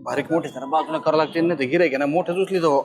बारीक मोठे जरा बाजूला करावं लागते ना ते गिरायक ना मोठं उचली तो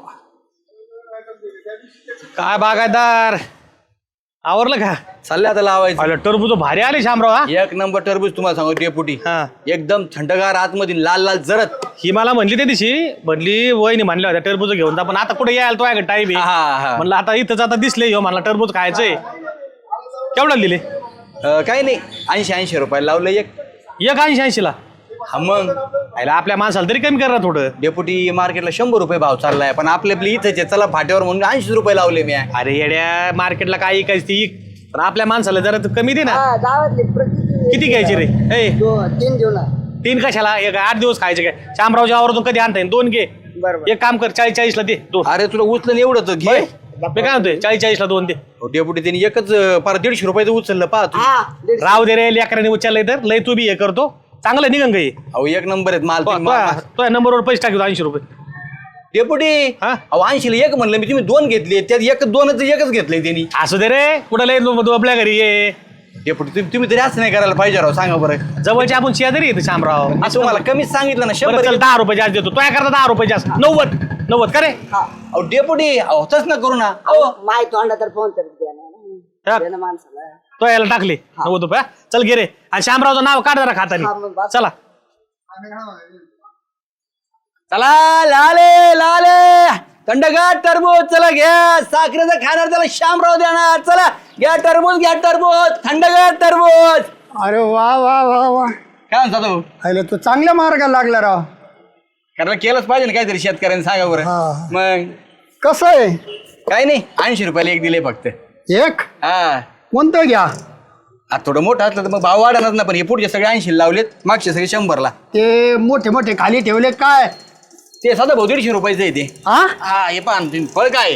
काय बागायतदार आवरलं का? चालले आता लावायचं. अरे टरबूज भारी आले शामराव. हा एक नंबर टरबूज तुम्हाला सांगतो डेपुटी. हा. एकदम थंडगार आतमध्ये लाल लाल जरत. ही मला म्हणली त्या दिवशी म्हणली वहिनी म्हणल्या होत्या टरबूज घेऊन जा पण आता कुठे यायला तो आहे टाईम आहे म्हणलं आता इथंच आता दिसले ह्यो म्हणला टरबूज खायचंय. केवढा दिले? काही नाही 80-80 रुपये लावलं एक 80-80 ला. हा मग आयला आपल्या माणसाला तरी कमी करा थोडं. डेपुटी मार्केटला 100 रुपये भाव चाललाय पण आपले इथेच आहे. चला फाट्यावर म्हणून 80 रुपये लावले मी. अरे येड्या मार्केटला काय ऐकायची ती पण आपल्या माणसाला जरा कमी दे ना. किती घ्यायची रे? 3 घेऊ ना. 3 कशाला? एक 8 दिवस खायचे काय? शामरावच्या आवरातून कधी आणता येईल? 2 घे. एक काम कर 40-40 ला दे 2. अरे तुला उचलं एवढं तर घे. मी काय म्हणतोय 40-40 ला 2 दे. डेपुटी त्यांनी एकच पार 150 रुपयाचं उचललं पाहतो. राव दे रे लेकरांनी उचललंय तर लय तू बी हे करतो चांगलं निघन काही. अहो एक नंबर आहेत माल तो नंबरवर पैसे टाकतो 80 रुपये. डेपुटी. हा? अहो 80 ला एक म्हणलं मी तुम्ही 2 घेतले त्यात एकच घेतलंय त्यांनी. असू दे रे कुठं लय आपल्या घरी ये. डेपुटी तुम्ही तरी असं नाही करायला पाहिजे राव. सांगा बरं. जवळचे आपण शेजारी येतो शामराव. असं तुम्हाला कमीच सांगितलं ना 100. चल 10 रुपये जास्त देतो तो करता 10 रुपये जास्त 90 का रे? अहो डेपुटी अहो तसं ना करू ना. अहो माय तोंडा तर फोन तर द्या ना माणसाला. तो यायला टाकले 90 रुपये. चल घे रे आणि शामरावचं नाव काढ जरा खातानी. चला चला लाले लाले थंडगार टरबूज चला घ्या. साखरेचं खाणार त्याला शामराव देणार. चला घ्या टरबूज थंडगार टरबूज. अरे वा वा वा वा. काय म्हणता तो? अरे तू चांगल्या मार्गाला लागला राव. कारण केलंच पाहिजे ना काहीतरी शेतकऱ्यांनी. सांगा बरं. मग कसं आहे? काही नाही 80 रुपयाला एक दिले फक्त. एक हा कोणतं घ्या? आता थोडं मोठं असलं तर मग भाव वाढणार ना पण हे पुढचे सगळे 80 लावलेत मागचे सगळे 100 ला. ते मोठे मोठे खाली ठेवले काय? ते साधा भाऊ 150 रुपयाचं आहे ते. हा हा हे पहा तुम्ही फळ काय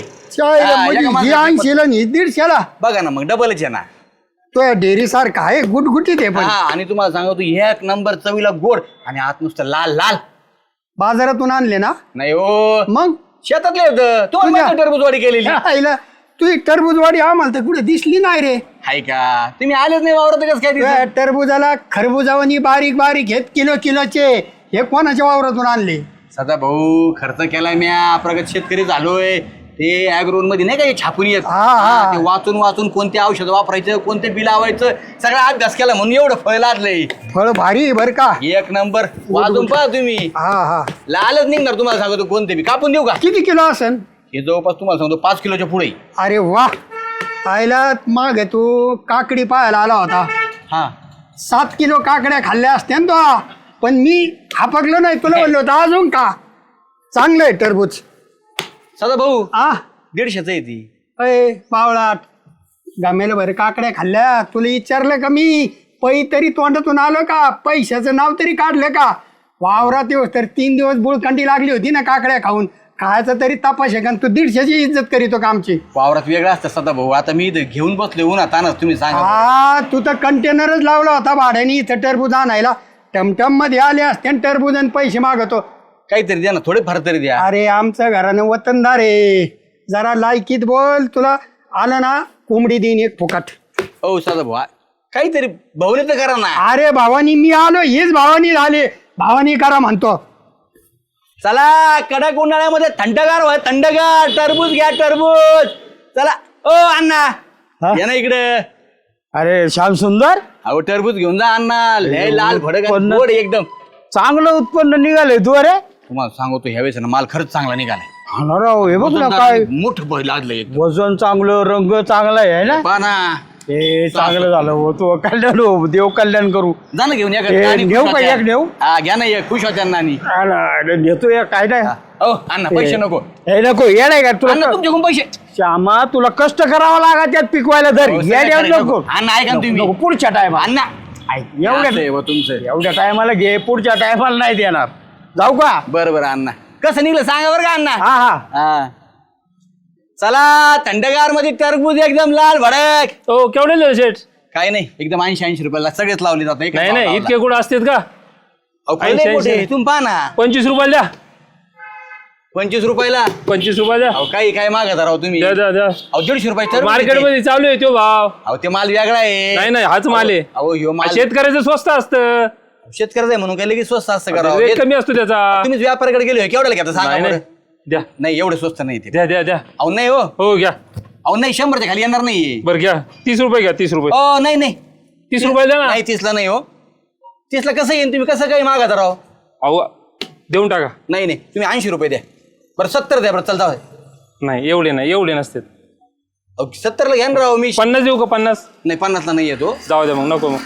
म्हणजे 80ला आणि 150ला. बघा ना मग डबलच आहे ना. तो डेअरी सारखा आहे गुटगुटीत आहे पण. हा आणि तुम्हाला सांगतो एक नंबर चवीला गोड आणि आत नुसतं लाल लाल. बाजारातून आणले ना? नाही हो मग शेतातले होतं तो टरबूजवाडी केलेली. आईला तू टरबूजवाडी आम्हाला तर कुठे दिसली नाही रे. हाय का तुम्ही आलेच नाही वावरत कसं काय दिसत? त्या टरबूजाला खरबुजावानी बारीक बारीक घेत किलोचे हे कोणाच्या वावरातून आणले? सदा भाऊ खर्च केलाय म्या. प्रगत शेतकरी झालोय. ते ऍग्रोन मध्ये नाही का हे छापून येत. ते वाचून कोणते औषध वापरायचं कोणते बिल लावायचं सगळा अभ्यास केला म्हणून एवढं फळ लागलंय. फळ भारी बर का? एक नंबर. वाजून पहा तुम्ही. हा लालच निघणार तुम्हाला सांगतो. कोणते बी कापून देऊ का? किती किलो असेल? हे जवळपास तुम्हाला सांगतो 5 किलोच्या पुढे. अरे वा. आईला माग तू काकडी पाहायला आला होता. हा 7 किलो काकड्या खाल्ल्या असत्या ना तो. पण मी हापकलो नाही तुला म्हणलो होतं अजून का. चांगलं आहे टरबूज. सदा भाऊ आ 150च आहे ती. अय बावळाट गमेल बरं काकड्या खाल्ल्या. तुला विचारलं का मी पै तरी तोंडातून आलं का? पैशाचं नाव तरी काढलं का? वावरात येऊस तर 3 दिवस बुळखंडी लागली होती ना काकड्या खाऊन. खायचा तरी तपास आहे का? तू 150ची इज्जत करीतो का आमची? वावरात वेगळा असतं सदा भाऊ. आता मी इथं घेऊन बसलोय उन्हात तानाच. तुम्ही सांगा. हा तू तर कंटेनरच लावला होता भाड्याने इथं टरबूज आणायला. टमटम मध्ये आले असते टरबूज आणि पैसे मागतो. काहीतरी द्या ना थोडे फार तरी द्या. अरे आमचं घरानं वतनदार आहे. जरा लायकीत बोल. तुला आलं ना कोंबडी देईन एक फुकट. हो सदा भाऊ काहीतरी भाऊने तर करा ना. अरे भावानी मी आलो हेच भावानी झाले. भावानी करा म्हणतो. चला कडक उन्हाळ्यामध्ये थंडगार व्हा. थंडगार टरबूज घ्या टरबूज. चला ओ अण्णा या ना इकडे. अरे श्याम सुंदर अहो टरबूज घेऊन जा अण्णा. लय लाल भडक गोड एकदम. चांगलं उत्पन्न निघालंय तू. अरे तुम्हाला सांगतो ह्यावेळेस ना माल खरंच चांगला निघालाय. राव हे बघ ना काय मोठं भय लागलंय. वजन चांगलं रंग चांगला आहे ना. पहा ना. हे चांगलं झालं हो. तू कल्याण हो. देव कल्याण करू. जा ना घेऊन या. घेऊ का एक नेऊ? हा घ्या ना एक खुश होत्या नानी. घेतो एक काय नाही. हो अण्णा पैसे नको. हे नको ये नाही का अण्णा तुला तुमच्याकडून पैसे. श्यामा तुला कष्ट करावं लागा त्यात पिकवायला धर. हो, या सगळं नको अण्णा ऐका ना तुम्ही. नको, पुढच्या टायमा अण्णा एवढ्या तुमचं. एवढ्या टायमाला घे. पुढच्या टायमाला नाही देणार. जाऊ का? बरं अण्णा कसं निघलं सांगा बरं का अण्णा. हा चला थंडगार मध्ये टरबूज एकदम लाल भडक. हो केवढे सेट? काय नाही एकदम 80-80 रुपयाला सगळेच लावले जातात. नाही नाही इतके कुठं असतात का? 80 तुम्ही पहा ना. 25 रुपयाला द्या. 25 रुपयाला 25 रुपये द्या. अहो काही काय मागत राव तुम्ही. द्या द्या द्या. अहो 150 रुपये मार्केट मध्ये चालू आहे तो भाव. अहो ते माल वेगळा आहे. नाही नाही हाच माल आहे. अहो ह्यो माल शेतकऱ्याचं स्वस्त असतं. शेतकऱ्याचं आहे म्हणून काय लगेच स्वस्त असतं रेट करावं. कमी असतो त्याचा. तुम्ही व्यापाऱ्याकडे गेले केवढ्याला घेता सांगा नाही बरं. नाही द्या नाही एवढं स्वस्त नाही ते. द्या द्या द्या. अहो नाही हो, हो घ्या. अहो नाही 100च्या खाली येणार नाही. बरं घ्या 30 रुपये घ्या 30 रुपये. हो नाही नाही 30 रुपये द्या ना. नाही 30ला नाही हो. 30ला कसं येईन तुम्ही कसं काही मागा राव. अहो देऊन टाका. नाही नाही तुम्ही 80 रुपये द्या. बरं 70 द्या बरं चल जाऊ. नाही एवढे नसते. 70ला घ्या ना राव मी. 50 देऊ का 50? नाही 50ला नाही येतो. जाऊ द्या मग नको मग.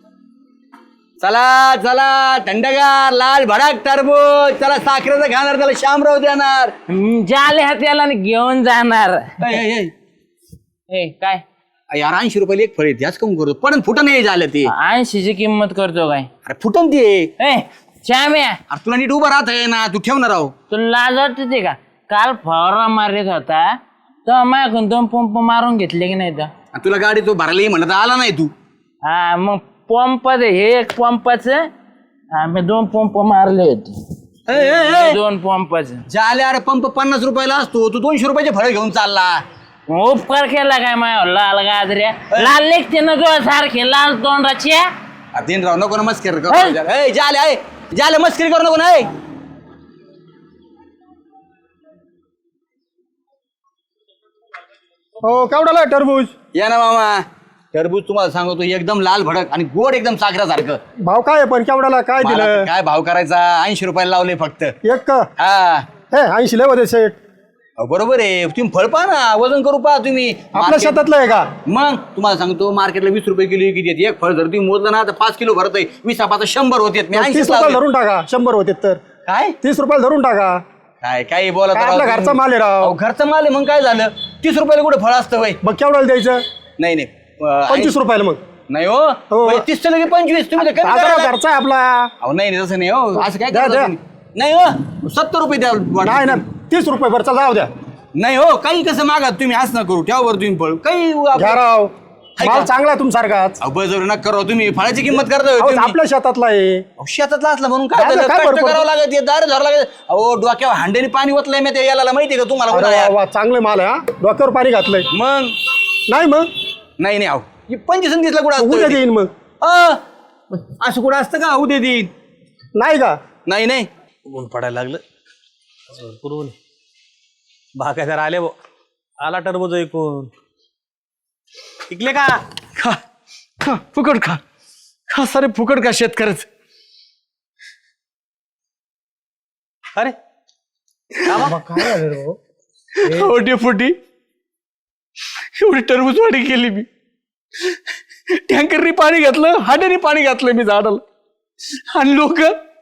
चला चला थंडगार लाल भडाक टरबूज. चला साखरेचं खाणार त्याला शामराव देणार. जाले हात्याला घेऊन जाणार. ऐ, ऐ, ऐ. ए काय यार 80 रुपयाला एक फळ येते आज कम करतो पण फुटन नाही झालं ते. 80ची किंमत करतो काय? अरे फुटन ते. ए श्याम्या अरे तुला नीट उभं राहत आहे ना तू ठेवणार राव. तुला लाज वाटते ते का? काल फवारा मारत होता तर माझ्याकडून 2 पंप मारून घेतले की नाही तर? आणि तुला गाडी तो भरायला ये म्हणत आला नाही तू. हा मग पंपाच हे एक पंपाचं आम्ही 2 पंप मारले होते. ऐ, ऐ, ऐ. 2 पंपाचं झाले अरे पंप 50 रुपयाला असतो तू 200 रुपयाचे फळ घेऊन चालला. उपकार केला काय माझ्या लाल गाजऱ्या लाल लेखते ना तुझ्या सारखे लाल तोंडाचे. दिन राव नको ना मस्करी करू. झाले मस्करी करू नको ना. हो केवढाला टरबूज? या ना मामा टरबूज तुम्हाला सांगतो एकदम लाल भडक आणि गोड एकदम साखरासारखं. भाव काय आहे पण केवढाला काय मला दिलं? तर काय भाव करायचा 80 रुपयाला लावले फक्त. एक का? हा हे 80 लय होते सेट. अहो, बरोबर आहे तुम्ही फळ पहा ना वजन करू पहा तुम्ही. आपल्या Market- शेतातलं आहे का? मग तुम्हाला सांगतो मार्केटला 20 रुपये किलो किती येते. एक फळ जर तुम्ही मोजलं ना तर 5 किलो भरत आहे. 20 आपण 100 होते. मी 80 30 रुपयाला धरून टाका. 100 होते तर काय 30 रुपयाला धरून टाका. काय काय बोला काय आपला घरचा माल आहे राव. घरचा माल आहे मग काय झालं 30 रुपयाला कुठे फळ असतं वय. मग केवढ्याला द्यायचं? नाही नाही 25 रुपयाला मग. नाही हो. हो 30 लगे 25 तुम्ही तर कमी आता करायला. घरचा आहे आपला. अहो नाही नाही, तसं नाही हो असं काय द्या, करता द्या. तुम्ही? नाही हो 70 रुपये द्या नाही ना 30 रुपये बरं चला जाऊ द्या. नाही हो काही कसं मागा तुम्ही असं ना करू ठेवा तुम्ही फळ काही घ्या राव ऐका. माल चांगला आहे तुमच्यासारखाच. बळजबरी नका करा तुम्ही फळाची किंमत करता होय अहो, तुम्ही. आपल्या शेतातला आहे. अहो, शेतातला असला म्हणून काय काय झालं? काय कष्ट बरं करावं लागत दार धरावं लागत. अहो डोक्यावर हांड्याने पाणी ओतलंय मी ते याला माहितीये का तुम्हाला अरे उन्हाळ्यात? वा वा चांगले माल आहे हा. डोक्यावर पाणी घातलंय. मग नाही मग नाही नाही अहो 25 दिसला कुठं उद्या असतं देईन मग. असं कुठं असतं का उद्या देईन. नाही का? नाही नाही ऊन पडायला लागलं भरपूर ऊन. बागायदार आले बो. आला टरबूज ऐकून. इकले का? खा खा फुकट खा खा सारे फुकट खा शेतकऱ्याच. अरे डेपुटी एवढी टरबूज वाढी केली मी. टँकरनी पाणी घातलं हांड्याने पाणी घातलं मी झाडाला आणि लोक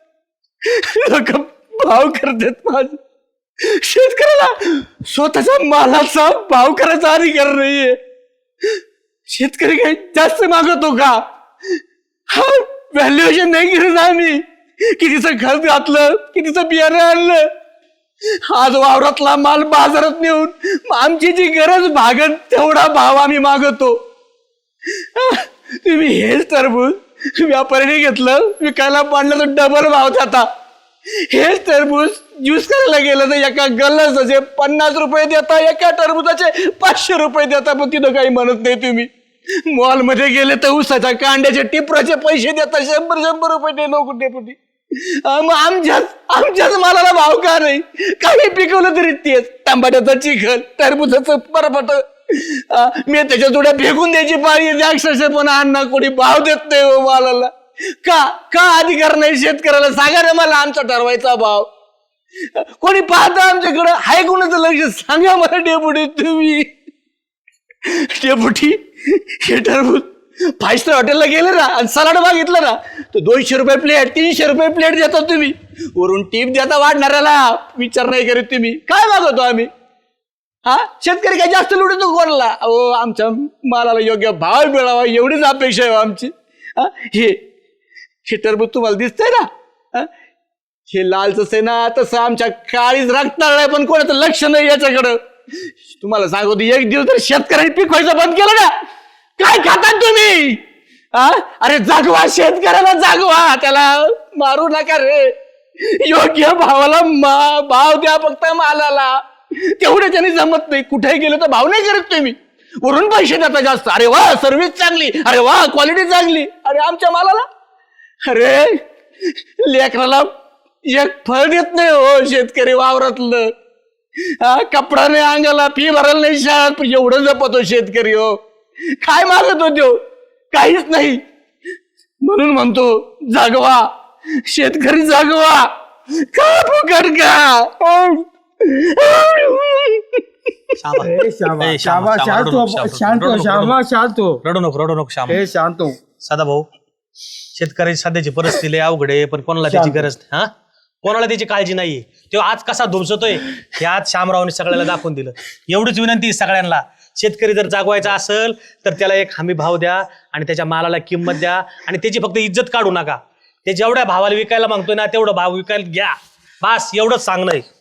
भाव करतात माझ. शेतकऱ्याला स्वतःच्या मालाचा भाव करायचा अधिकार नाहीये. शेतकरी काही जास्त मागवतो का? हा व्हॅल्युएशन नाही केलं आम्ही. कितीचं खत घातलं कितीचं बियाणं आणलं. आज वावरातला माल बाजारात नेऊन आमची जी गरज भागत तेवढा भाव आम्ही मागवतो. तुम्ही हेच टरबूज व्यापाऱ्याने घेतलं विकायला पाडलं तर डबल भाव जाता. हेच टरबूज ज्यूस करायला गेलं तर एका गल्लाचे 50 रुपये देता एका टरबुजाचे 500 रुपये देता. पण तिथं काही म्हणत नाही तुम्ही. मॉलमध्ये गेले तर उसाच्या कांड्याचे टिपराचे पैसे देता 100 रुपये दे नको डेपुटी. मग आमच्याच मालाला भाव का नाही? काही पिकवलं तरी तेच टमाट्याचं चिखल टरबुजाचं परपट मी त्याच्या जोड्या फेकून द्यायची पाळी अक्षरशः पण अण्णा कोणी भाव देत नाही हो मालाला. का अधिकार नाही शेतकऱ्याला? सांगा रे मला आमचा ठरवायचा भाव. कोणी पाहता आमच्याकडं हाय कोणाचं लक्ष सांगा मला डेपुटी तुम्ही. डेपुटी हे टरबूज 5 स्टार हॉटेलला गेले ना आणि सलाड मागितलं ना तर 200 रुपये प्लेट 300 रुपये प्लेट देता तुम्ही. वरून टीप देता वाढणाऱ्याला विचार नाही करीत तुम्ही. काय मागवतो आम्ही? हा शेतकरी काय जास्त लुटतो कोणाला? अहो आमच्या मालाला योग्य भाव मिळावा एवढीच अपेक्षा आहे आमची. हे टरबूज तुम्हाला दिसतंय ना हे लालच आहे ना तसं आमच्या काळीच रक्ताळ आहे पण कोणाचं लक्ष नाही याच्याकडं. तुम्हाला सांगतो एक दिवस तर शेतकऱ्यांनी पिकवायचं बंद केलं ना काय खातात तुम्ही? अरे जागवा शेतकऱ्याला जागवा त्याला मारू नका रे. योग्य भावाला भाव द्या फक्त मालाला. तेवढे त्यांनी जमत नाही. कुठेही गेलं तर भाव नाही करत तुम्ही. वरून पैसे देता जास्त. अरे वा सर्व्हिस चांगली अरे वा क्वालिटी चांगली. अरे आमच्या मालाला अरे लेकराला एक फळ देत नाही हो शेतकरी वावरातलं. हा, कपडा नाही अंगाला, फी भरायला नाही शाळेत, पण एवढं जपतो शेतकरी हो. काय मागत होतो? काहीच नाही. म्हणून म्हणतो जागवा शेतकरी, जागवा. का फुकट का? रडू नको श्याम. शांत हो. सदा भाऊ, शेतकऱ्याची सध्याची परिस्थिती लय अवघड आहे, पण कोणाला त्याची गरज नाही. हा, कोणाला त्याची काळजी नाहीये. तो आज कसा धुमसतोय हे आज श्यामरावने सगळ्याला दाखवून दिलं. एवढीच विनंती सगळ्यांना, शेतकरी जर जागवायचा असेल तर त्याला एक हमी भाव द्या आणि त्याच्या मालाला किंमत द्या आणि त्याची फक्त इज्जत काढू नका. ते जेवढ्या भावाला विकायला मागतोय ना तेवढं भाव विकायला घ्या. बस एवढंच सांगणं आहे.